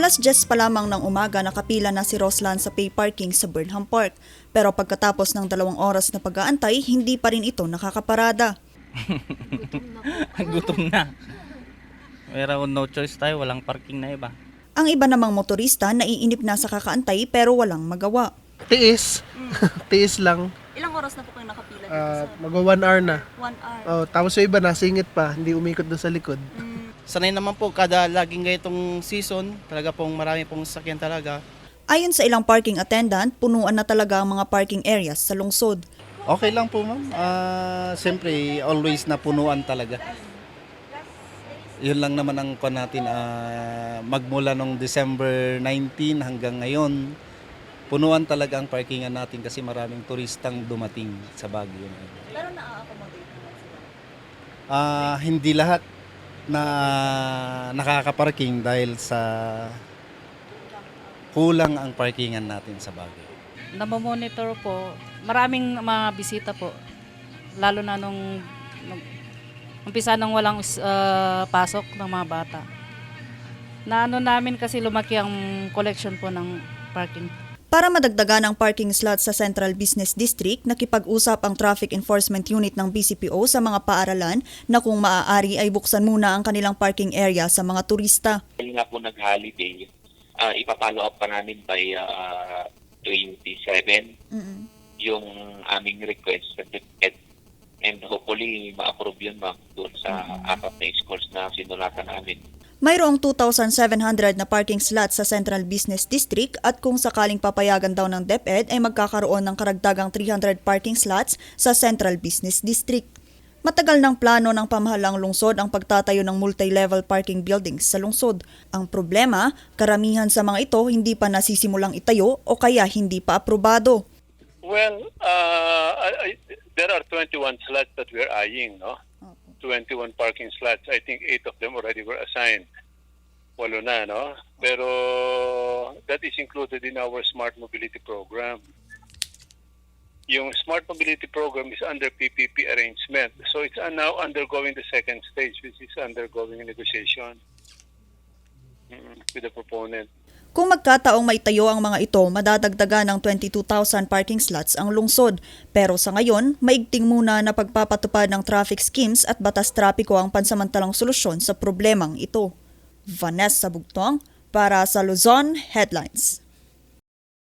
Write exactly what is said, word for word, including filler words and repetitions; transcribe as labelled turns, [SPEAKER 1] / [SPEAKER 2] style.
[SPEAKER 1] Alas diyes pa lamang ng umaga nakapila na si Roslan sa pay parking sa Burnham Park. Pero pagkatapos ng dalawang oras na pag-aantay, hindi pa rin ito nakakaparada.
[SPEAKER 2] Gutom na. Pero no choice tayo, walang parking na iba.
[SPEAKER 1] Ang iba namang motorista naiinip na sa kakaantay pero walang magawa.
[SPEAKER 3] Tiis. Tiis lang.
[SPEAKER 1] Ilang oras na po kayo nakapila dito
[SPEAKER 3] Uh,
[SPEAKER 1] sa
[SPEAKER 3] mag one hour na.
[SPEAKER 1] one hour?
[SPEAKER 3] Oh, tapos yung iba nasingit pa, hindi umikot doon sa likod.
[SPEAKER 2] Sanay naman po, kada laging ganitong season, talaga pong marami pong sasakyan talaga.
[SPEAKER 1] Ayon sa ilang parking attendant, punuan na talaga ang mga parking areas sa lungsod.
[SPEAKER 4] Okay lang po ma'am. Ah, siyempre, always napunuan talaga. Yun lang naman ang kuwan natin, ah, magmula nung December nineteenth hanggang ngayon, punuan talaga ang parkingan natin kasi maraming turistang dumating sa Baguio.
[SPEAKER 1] Pero na-accommodate naman sila?
[SPEAKER 4] Ah, hindi lahat na nakakaparking dahil sa kulang ang parkingan natin sa Baguio.
[SPEAKER 5] Namomonitor po. Maraming mga bisita po. Lalo na nung, nung umpisa nang walang uh, pasok ng mga bata. Na ano namin kasi lumaki ang collection po ng parking.
[SPEAKER 1] Para madagdagan ang parking slots sa Central Business District, nakipag-usap ang Traffic Enforcement Unit ng B C P O sa mga paaralan na kung maaari ay buksan muna ang kanilang parking area sa mga turista.
[SPEAKER 6] Dahil nga po nag-holiday, uh, ipapollow up pa namin by uh, twenty-seven
[SPEAKER 1] Mm-mm.
[SPEAKER 6] yung aming request and hopefully ma-approve yun ma'am doon sa apat na schools na sinulatan namin.
[SPEAKER 1] Mayroong two thousand seven hundred na parking slots sa Central Business District at kung sakaling papayagan daw ng DepEd ay magkakaroon ng karagdagang three hundred parking slots sa Central Business District. Matagal ng plano ng pamahalang lungsod ang pagtatayo ng multi-level parking buildings sa lungsod. Ang problema, karamihan sa mga ito hindi pa nasisimulang itayo o kaya hindi pa aprobado.
[SPEAKER 7] Well, uh, I, I, there are twenty-one slots that we're eyeing, no? twenty-one parking slots. I think eight of them already were assigned. Walo na, no? Pero that is included in our Smart Mobility Program. Yung Smart Mobility Program is under P P P arrangement. So it's uh, now undergoing the second stage, which is undergoing negotiation mm, with the proponent.
[SPEAKER 1] Kung magkataong maitayo ang mga ito, madadagdagan ng twenty-two thousand parking slots ang lungsod. Pero sa ngayon, maigting muna na pagpapatupad ng traffic schemes at batas trapiko ang pansamantalang solusyon sa problemang ito. Vanessa Bugtong para sa Luzon Headlines.